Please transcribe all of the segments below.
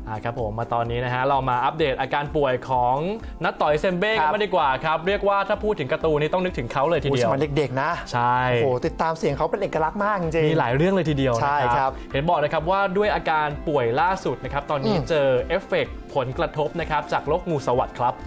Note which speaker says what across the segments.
Speaker 1: ครับผมมาตอนนี้นะฮะเรามาอัปเดตอาการป่วยของนัทต่อยเซมเบ้กันมาดีกว่าครับเรียกว่าถ้าพูดถึงการ์ตูนนี่ต้องนึกถึงเขาเลยทีเดียว
Speaker 2: สมัยเด็กๆนะ
Speaker 1: ใช่
Speaker 2: โอ้โหติดตามเสียงเขาเป็นเอกลักษณ์มากจริง
Speaker 1: มีหลายเรื่องเลยทีเดียว
Speaker 2: ใช่ครับ
Speaker 1: เห็นบอกนะครับว่าด้วยอาการป่วยล่าสุดนะครับตอนนี้เจอเอฟเฟกต์ผลกระทบนะครับจากโรคงูสวัสด์ครับ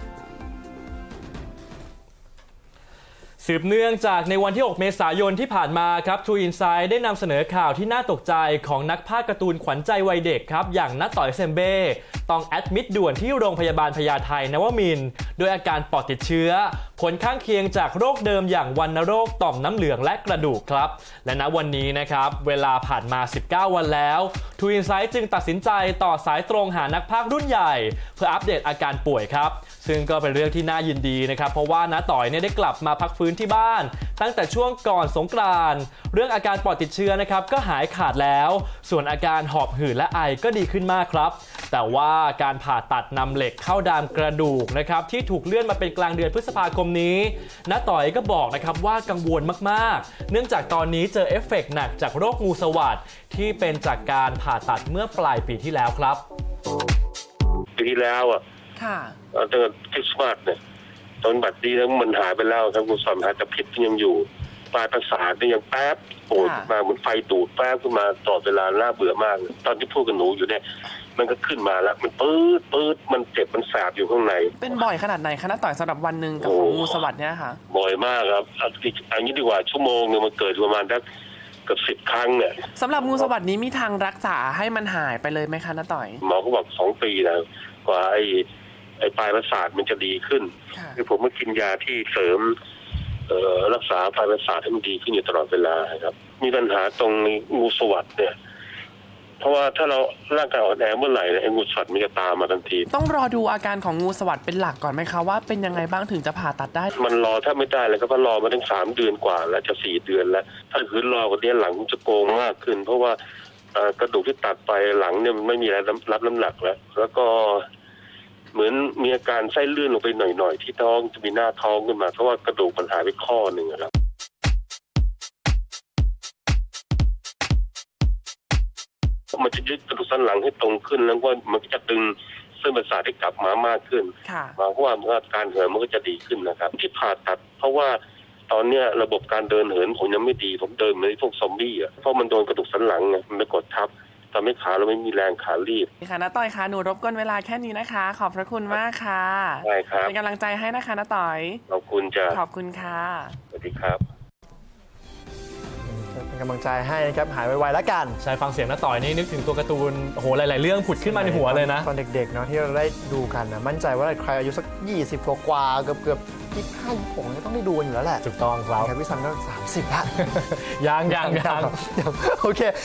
Speaker 1: สืบเนื่องจากในวันที่ 6 เมษายนที่ผ่านมาครับ True Insight ได้นำเสนอข่าวที่น่าตกใจของนักพากย์การ์ตูนขวัญใจวัยเด็กครับอย่างนัทต่อยเซมเบ้ต้องแอดมิดด่วนที่โรงพยาบาลพญาไทนวมินทร์ด้วยอาการปอดติดเชื้อผลข้างเคียงจากโรคเดิมอย่างวัณโรคต่อมน้ำเหลืองและกระดูกครับและณวันนี้นะครับเวลาผ่านมา 19 วันแล้ว True Insight จึงตัดสินใจต่อสายตรงหานักพากย์รุ่นใหญ่เพื่ออัปเดตอาการป่วยครับซึ่งก็เป็นเรื่องที่น่ายินดีนะครับเพราะว่าน้าต่อยเนี่ยได้กลับมาพักฟื้นที่บ้านตั้งแต่ช่วงก่อนสงกรานต์เรื่องอาการปอดติดเชื้อนะครับก็หายขาดแล้วส่วนอาการหอบหืดและไอก็ดีขึ้นมากครับแต่ว่าการผ่าตัดนำเหล็กเข้าดามกระดูกนะครับที่ถูกเลื่อนมาเป็นกลางเดือนพฤษภาคมนี้น้าต่อยก็บอกนะครับว่ากังวลมากๆเนื่องจากตอนนี้เจอเอฟเฟกต์หนักจากโรคงูสวัสด์ที่เป็นจากการผ่าตัดเมื่อปลายปีที่แล้วครับ
Speaker 3: ปีที่แล้วอ่ะตั้งแต่คริสต์มาสเนี่ยตอนบัดนี้แล้วมันหายไปแล้วครับงูสวัสด์หายแต่พิษยังอยู่ปลายประสาทเนี่ยยังแป๊บโผล่มาเหมือนไฟดูดแป๊บขึ้นมาตลอดเวลาน่าเบื่อมากตอนที่พูดกับหนูอยู่เนี่ยมันก็ขึ้นมาแล้วมันปื๊ดมันเจ็บมันแสบอยู่ข้างใน
Speaker 4: เป็นบ่อยขนาดไหนคะน้าต่อยสำหรับวันหนึ่งกับของงูสวัสด์เนี่ยค่ะ
Speaker 3: บ่อยมากครับอันนี้ดีกว่าชั่วโมงนึงมันเกิดประมาณสักเกือบ10 ครั้งเนี่ย
Speaker 4: สำหรับงูสวัสด์นี้มีทางรักษาให้มันหายไปเลยไหมคะน้าต่อย
Speaker 3: หมอเขาบอก2 ปีนะกว่าไอ้ปลายประสาทมันจะดีขึ้นคือผมมากินยาที่เสริมรักษาปลายประสาทให้มันดีขึ้นอยู่ตลอดเวลาครับมีปัญหาตรงงูสวัสด์เนี่ยเพราะว่าถ้าเราร่างกายอ่อนแอเมื่อไหร่ไอ้งูสวัสด์มันจะตามมาทันที
Speaker 4: ต้องรอดูอาการของงูสวัสด์เป็นหลักก่อนไหมคะว่าเป็นยังไงบ้างถึงจะผ่าตัดได้
Speaker 3: มันรอถ้าไม่ได้เลยก็รอมาตั้ง3 เดือนกว่าแล้วจะ4 เดือนแล้วถ้าคืนรอกว่านี้หลังจะโกงมากขึ้นเพราะว่ากระดูกที่ตัดไปหลังเนี่ยมันไม่มีอะไรรับน้ำหนักแล้วก็เหมือนมีอาการไส้เลื่อนลงไปหน่อยๆที่ท้องจะมีหน้าท้องขึ้นมาเพราะว่ากระดูกมันหายไปข้อหนึ่งครับมันจะยึดกระดูกสันหลังให้ตรงขึ้นแล้วก็มันจะดึงเส้นประสาทให้กลับมามากขึ้นหมายความว่าการเหินมันก็จะดีขึ้นนะครับที่ผ่าตัดเพราะว่าตอนนี้ระบบการเดินเหินผมยังไม่ดีผมเดินเหมือนพวกซอมบี้อ่ะเพราะมันโดนกระดูกสันหลังไงมันไปกดทับทำให้ขาเราไม่มีแรงขาลีบ
Speaker 4: ค่ะน้าต่อยคะหนูรบกวนเวลาแค่นี้นะคะขอบพระคุณมากค่ะ
Speaker 3: ได้ครับ
Speaker 4: เป็นกำลังใจให้นะคะน้าต่อย
Speaker 3: ขอบคุณจ้ะ
Speaker 4: ขอบคุณค่ะ
Speaker 3: สวัสดีครับ
Speaker 2: เป็นกำลังใจให้นะครับหายไวๆแล้วกัน
Speaker 1: ใช่ฟังเสียงน้าต่อยนี่นึกถึงตัวการ์ตูนโอ้โหหลายๆเรื่องผุดขึ้นมาในหัวเลยนะ
Speaker 2: ตอนเด็กๆเนาะที่เราได้ดูกันนะมั่นใจว่าใครอายุสัก20กว่าเกือบ25 26เนี่ยต้องได้ดูกันอยู่แล้วแหละ
Speaker 1: ถูกต้องครับ
Speaker 2: พี่ซันก็30ละ
Speaker 1: ยัง
Speaker 2: โอเค